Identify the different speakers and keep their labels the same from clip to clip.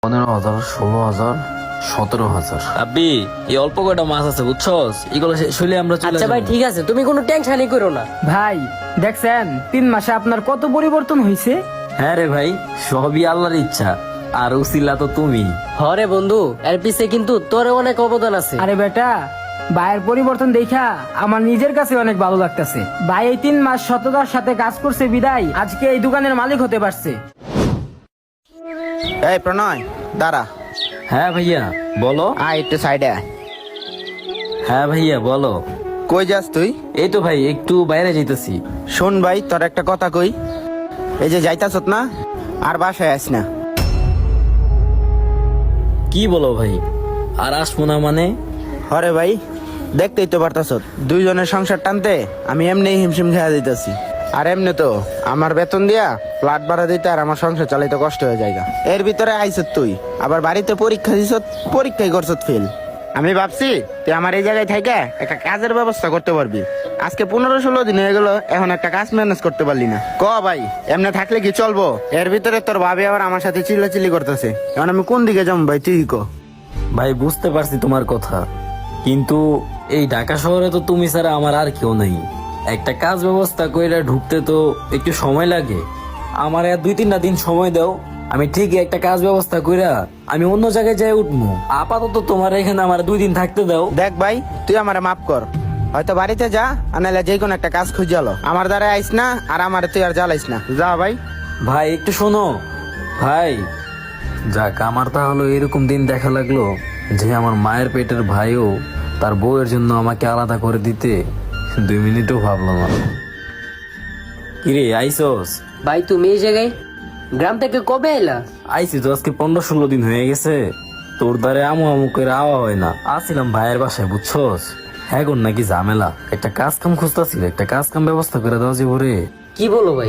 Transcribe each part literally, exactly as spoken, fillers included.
Speaker 1: পনেরো হাজার, ষোলো হাজার, সতেরো হাজার।
Speaker 2: আব্বি এই অল্প কয়টা মাছ আছে বুঝছস, এগুলো শেষ হইলে আমরা চলে
Speaker 3: আচ্ছা ভাই
Speaker 2: যাবো।
Speaker 3: ঠিক আছে, তুমি কোনো টেনশনই করো না।
Speaker 4: ভাই দেখছেন তিন মাসে আপনার কত পরিবর্তন হয়েছে।
Speaker 2: হ্যাঁ রে ভাই, সবই আল্লাহর ইচ্ছা, আর উসিলা তো তুমি।
Speaker 3: হরে বন্ধু, এর পিছে কিন্তু তোর অনেক অবদান আছে।
Speaker 4: আরে বেটা, ভাইয়ের পরিবর্তন দেখা আমার নিজের কাছে অনেক ভালো লাগতেছে। ভাই এই তিন মাস সততার সাথে কাজ করছে বিদায় আজকে এই দোকানের মালিক হতে পারছে।
Speaker 5: এই প্রণয় দাঁড়া।
Speaker 2: হ্যাঁ ভাইয়া বলো।
Speaker 5: আয় একটু সাইডে আয়।
Speaker 2: হ্যাঁ ভাইয়া বলো।
Speaker 5: কই যাস তুই?
Speaker 2: এই তো ভাই একটু বাইরে যাইতেছি।
Speaker 5: শোন ভাই, তোর একটা কথা কই। এই যে যাইতাছত না, আর বাসায় আস না।
Speaker 2: কি বলো ভাই, আর আসবো না মানে?
Speaker 5: হরে ভাই, দেখতেই তো পারতাছত দুইজনের সংসার টানতে আমি এমনি হিমশিম খেয়া দিতেছি। আর এমনি তো আমার বেতন দিয়া ফ্ল্যাট ভাড়া দিতে আর আমার সংসার চালাইতে কষ্ট হয়ে যায়। এর ভিতরে আইছত তুই, আবার বাড়িতে পরীক্ষা দিছত, পরীক্ষায় করছত ফেল। আমি ভাবছি তুই আমার এই জায়গায় থাইকা একটা কাজের ব্যবস্থা করতে পারবি। আজকে পনেরো ষোলো দিন হয়ে গেল, এখন একটা কাজ ম্যানেজ করতে পারলি না। ক ভাই, এমনি থাকলে কি চলবো? এর ভিতরে তোর ভাবি আবার আমার সাথে চিল্লাচিল্লি করতেছে। এখন আমি কোন দিকে যাবো ভাই, তুই ক।
Speaker 2: ভাই বুঝতে পারছি তোমার কথা, কিন্তু এই ঢাকা শহরে তো তুমি ছাড়া আমার আর কেউ নেই। একটা কাজ ব্যবস্থা কইরা ঢুকতে তো একটু সময় লাগে। আমার আর দুই তিনটা দিন সময় দাও, আমি ঠিকই একটা কাজ ব্যবস্থা কইরা আমি অন্য জায়গায় যাই উঠবো। আপাতত তোমার এখানে আমার দুই দিন থাকতে দাও।
Speaker 5: দেখ ভাই, তুই আমারে মাফ কর, হয়তো বাড়িতে যা, আনাইলে যে কোনো একটা কাজ খুঁজে আলো। আমার দ্বারা আইস না, আর আমার তুই আর জ্বালাইস না, যা ভাই।
Speaker 2: ভাই একটু শোনো ভাই। যাক, আমার তাহলে এরকম দিন দেখা লাগলো যে আমার মায়ের পেটের ভাইও তার বউয়ের জন্য আমাকে আলাদা করে দিতে দুই মিনিটও ভাবলো না। কিরে আইসোস?
Speaker 3: ভাই তুমি এই জায়গায় গ্রাম থেকে কবে এলা?
Speaker 2: আইসি তো আজকে পনেরো ষোলো দিন হয়ে গেছে। তোর দ্বারে আমু আমু করে আওয়া হয় না। আসছিলাম ভাইয়ের বাসায় বুঝছস। হ্যাঁ গোর নাকি ঝামেলা, একটা কাজ কাম খুঁজতেছিল, একটা কাজ কাম ব্যবস্থা করে দেওয়া যাবো রে।
Speaker 3: কি বলো ভাই,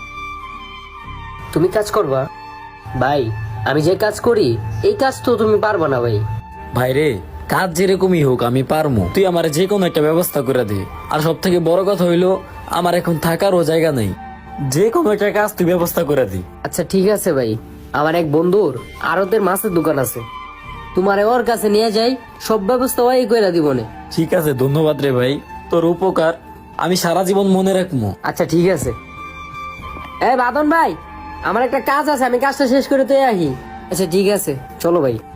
Speaker 3: তুমি কাজ করবা? ভাই আমি যে কাজ করি এই কাজ তো তুমি পারবা না ভাই।
Speaker 2: ভাই রে, কাজ যেরকমই হোক আমি পারমু, তুই আমার যে কোনো একটা ব্যবস্থা করে দে। আর সব থেকে বড় কথা হইলো আমার এখন থাকারও জায়গা নেই, যে কোনো একটা কাজ তুই ব্যবস্থা করে দি।
Speaker 3: আচ্ছা ঠিক আছে ভাই, আমার এক বন্ধুর আড়তের মাছের দোকান আছে, তোমারে ওর কাছে নিয়ে যাই, সব ব্যবস্থা ওই কইরা দিবনে।
Speaker 2: ঠিক আছে, ধন্যবাদ রে ভাই, তোর উপকার আমি সারা জীবন মনে রাখবো।
Speaker 3: আচ্ছা ঠিক আছে। এ বাদন ভাই, আমার একটা কাজ আছে, আমি কাজটা শেষ করে তো আহি। আচ্ছা ঠিক আছে, চলো ভাই।